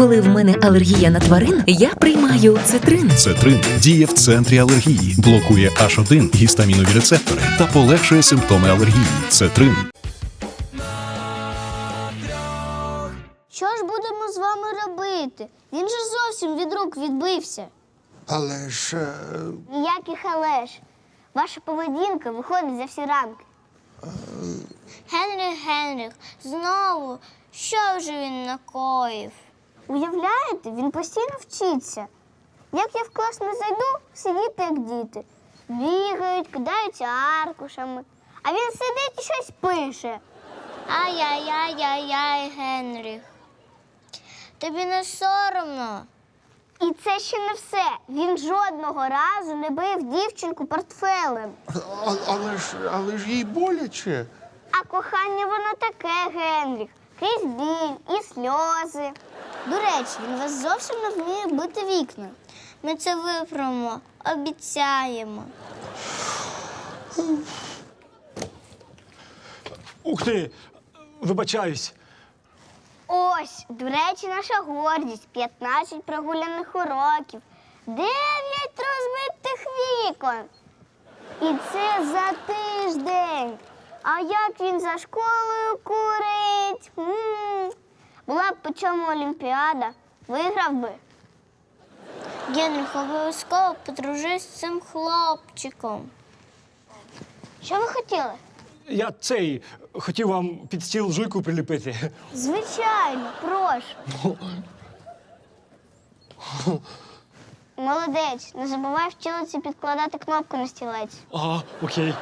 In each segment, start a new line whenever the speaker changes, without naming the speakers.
Коли в мене алергія на тварин, я приймаю цитрин.
Цетрин діє в центрі алергії, блокує H1 гістамінові рецептори та полегшує симптоми алергії. Цетрин.
Що ж будемо з вами робити? Він же зовсім від рук відбився.
Але ж...
Ніяких але ж. Ваша поведінка виходить за всі рамки. Генріх, знову, що вже він накоїв? Уявляєте, він постійно вчиться. Як я в клас не зайду, сидіти як діти. Бігають, кидаються аркушами. А він сидить і щось пише. Ай-яй-яй-яй-яй, Генріх. Тобі не соромно? І це ще не все. Він жодного разу не бив дівчинку портфелем.
Але ж їй боляче.
А кохання воно таке, Генріх. Крізь біль і сльози. До речі, він вас зовсім не вміє бити вікна. Ми це виправимо, обіцяємо.
Ух ти! Вибачаюсь.
Ось, до речі, наша гордість. 15 прогуляних уроків. 9 розбитих вікон. І це за тиждень. А як він за школою курить? Була б по чому Олімпіада, виграв би. Генріх, обов'язково подружись з цим хлопчиком. Що ви хотіли?
Я хотів вам під стіл жуйку приліпити.
Звичайно, прошу. Молодець, не забувай в тілиці підкладати кнопку на стілець.
Ага, окей.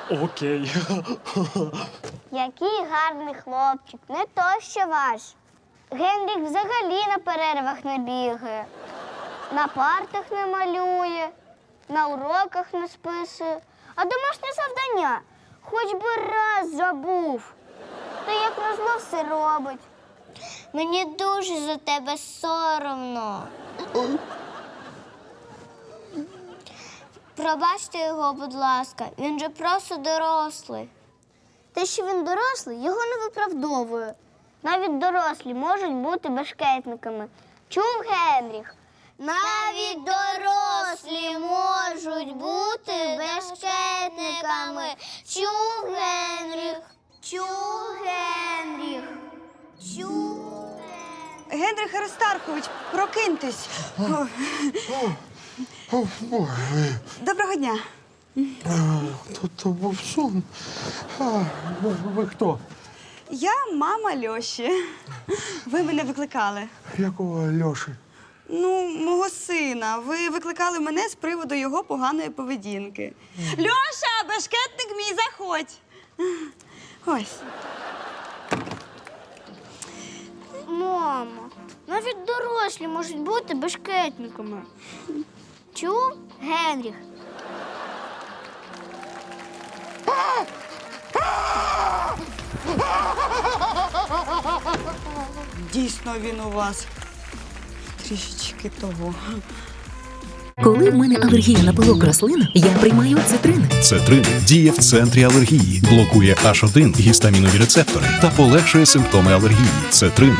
Який гарний хлопчик, не то що ваш. Генріх взагалі на перервах не бігає, на партах не малює, на уроках не списує, а домашнє завдання хоч би раз забув. Та як назло все робить. Мені дуже за тебе соромно. Пробачте його, будь ласка, він же просто дорослий. Те, що він дорослий, його не виправдовує. Навіть дорослі можуть бути бешкетниками. Чув, Генріх? Навіть дорослі можуть бути бешкетниками. Чув, Генріх? Чув, Генріх? Чув, Генріх?
Генрих Аристархович, прокиньтесь. Доброго дня.
То був сон. Ви хто?
Я мама Льоші. Ви мене викликали.
Якого Льоші?
Ну, мого сина. Ви викликали мене з приводу його поганої поведінки. Льоша, бешкетник мій, заходь. Ось.
Мамо, навіть дорослі можуть бути бешкетниками. Чув, Генріх?
Дійсно, він у вас трішечки того.
Коли в мене алергія на пилок рослин, я приймаю цитрин.
Цетрин діє в центрі алергії, блокує H1 гістамінові рецептори та полегшує симптоми алергії. Цетрин.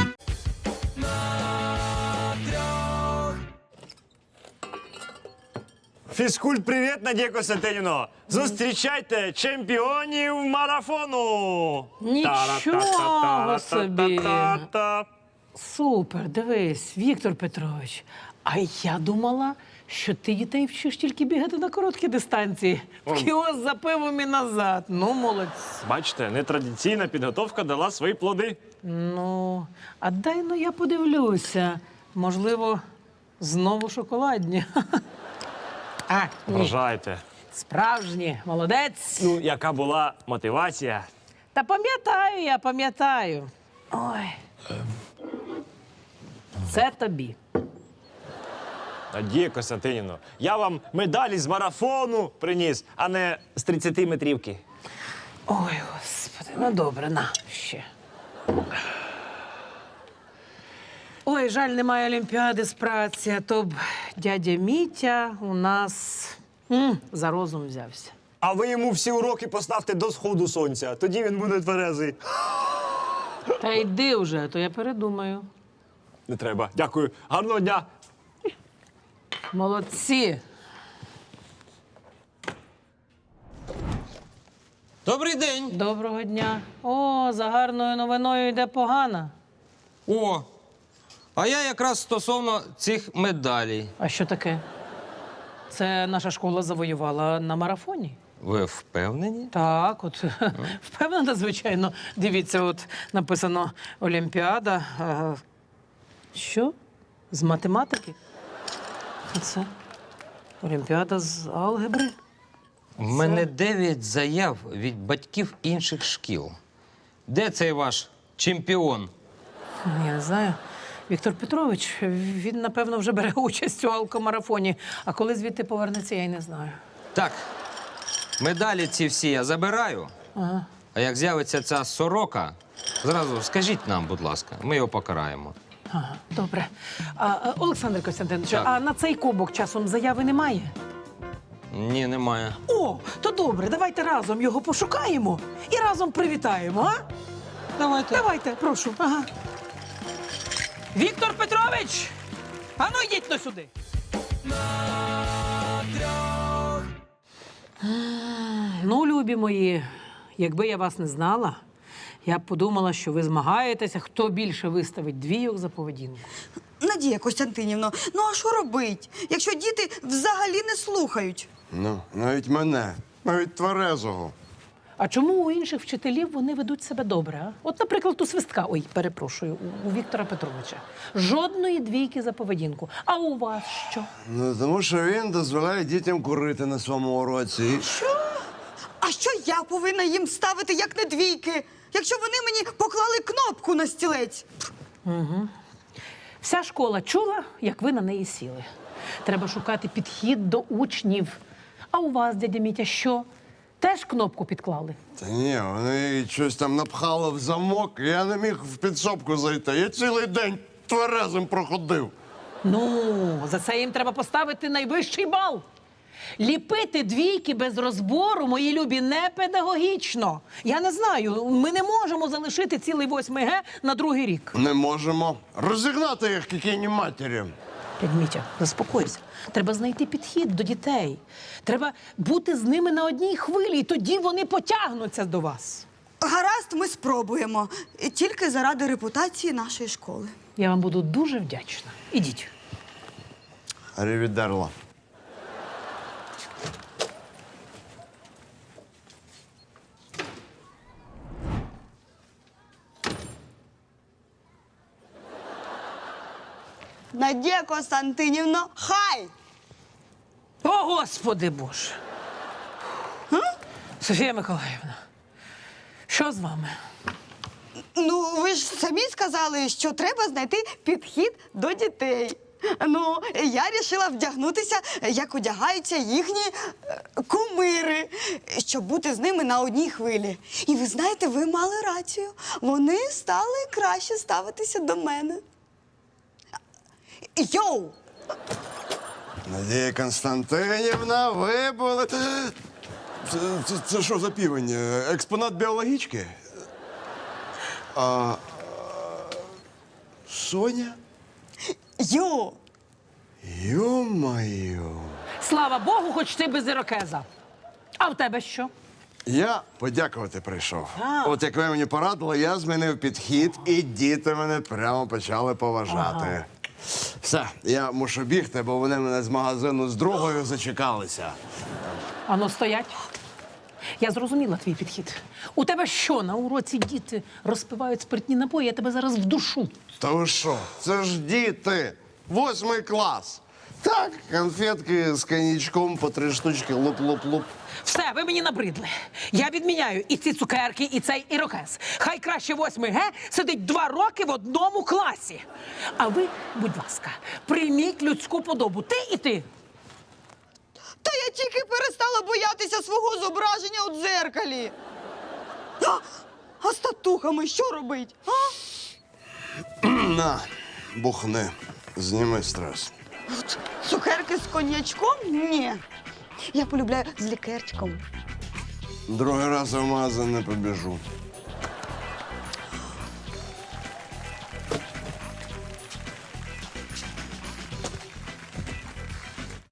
Фізкульт-привіт, Надія Костянтинівно! Зустрічайте чемпіонів марафону!
Нічого собі!
Та-та-та-та-та-та.
Супер, дивись, Віктор Петрович. А я думала, що ти дітей вчиш тільки бігати на короткі дистанції. В кіоск за пивом і назад. Ну, молодці.
Бачите, нетрадиційна підготовка дала свої плоди.
Ну, а дай ну я подивлюся. Можливо, знову шоколадні. А, ні,
Вважайте.
справжні, молодець.
Ну, яка була мотивація?
Та пам'ятаю. Ой. Це тобі.
Надія Костянтинівно, я вам медалі з марафону приніс, а не з 30-метрівки.
Ой, господи, ну добре, на, ще. Ой, жаль, немає олімпіади з праці, а то б дядя Мітя у нас за розум взявся.
А ви йому всі уроки поставте до сходу сонця, тоді він буде тверезий.
Та йди вже, а то я передумаю.
Не треба. Дякую. Гарного дня.
Молодці.
Добрий день.
Доброго дня. О, за гарною новиною йде погана.
О, а я якраз стосовно цих медалей.
А що таке? Це наша школа завоювала на марафоні.
Ви впевнені?
Так, от впевнена, звичайно. Дивіться, от написано Олімпіада. Що? З математики? А це Олімпіада з алгебри.
У мене 9 заяв від батьків інших шкіл. Де цей ваш чемпіон?
Я не знаю. Віктор Петрович, він, напевно, вже бере участь у алкомарафоні. А коли звідти повернеться, я й не знаю.
Так, медалі ці всі я забираю.
Ага.
А як з'явиться ця сорока, зразу скажіть нам, будь ласка, ми його покараємо.
Ага, добре. Олександр Костянтинович,
Так.
а на цей кубок часом заяви немає?
Ні, немає.
О, то добре, давайте разом його пошукаємо і разом привітаємо, а? Давайте, прошу. Ага. Віктор Петрович! Ану, йдіть но сюди. Ну, любі мої, якби я вас не знала, я б подумала, що ви змагаєтеся, хто більше виставить двійок за поведінку.
Надія Костянтинівна, ну а що робить, якщо діти взагалі не слухають?
Ну, навіть мене, навіть тверезого.
А чому у інших вчителів вони ведуть себе добре? А? От, наприклад, у Свистка, ой, перепрошую, у Віктора Петровича. Жодної двійки за поведінку. А у вас що?
Ну, тому що він дозволяє дітям курити на своєму уроці.
А що я повинна їм ставити, як не двійки, якщо вони мені поклали кнопку на стілець?
Вся школа чула, як ви на неї сіли. Треба шукати підхід до учнів. А у вас, дядя Мітя, що? Теж кнопку підклали?
Та ні, вони щось там напхали в замок, і я не міг в підсобку зайти. Я цілий день тверезим проходив.
Ну, за це їм треба поставити найвищий бал. Ліпити двійки без розбору, мої любі, не педагогічно. Я не знаю, ми не можемо залишити цілий 8 Г на другий рік.
Не можемо розігнати їх кікійні матері.
Дядь Мітя, заспокойся. Треба знайти підхід до дітей. Треба бути з ними на одній хвилі, і тоді вони потягнуться до вас.
Гаразд, ми спробуємо. Тільки заради репутації нашої школи.
Я вам буду дуже вдячна. Ідіть.
Рівідерла.
Надія Костянтинівна, хай!
О, Господи Боже! Софія Миколаївна, що з вами?
Ну, ви ж самі сказали, що треба знайти підхід до дітей. Ну, я вирішила вдягнутися, як одягаються їхні кумири, щоб бути з ними на одній хвилі. І ви знаєте, ви мали рацію. Вони стали краще ставитися до мене. Йоу!
Надія Константинівна, ви були...
Це що за півень? Експонат біологічки?
Соня?
Йоу!
Ё-моё.
Слава Богу, хоч ти без ірокеза. А в тебе що?
Я подякувати прийшов. От як ви мені порадили, я змінив підхід, і діти мене прямо почали поважати. Все, я мушу бігти, бо вони мене з магазину з другою зачекалися.
Ану, стоять. Я зрозуміла твій підхід. У тебе що, на уроці діти розпивають спиртні напої, я тебе зараз вдушу.
Та ви що? Це ж діти! 8 клас! Так, конфетки з коньячком по 3 штучки, луп-луп-луп.
Все, ви мені набридли. Я відміняю і ці цукерки, і цей ірокез. Хай краще 8 Г сидить 2 роки в одному класі. А ви, будь ласка, прийміть людську подобу. Ти і ти.
Та я тільки перестала боятися свого зображення у дзеркалі. А з татухами що робить? А?
На, бухни, зніми стрес.
Цукерки з коньячком? Ні. Я полюбляю з лікерчиком.
Другий раз в магазин не побіжу.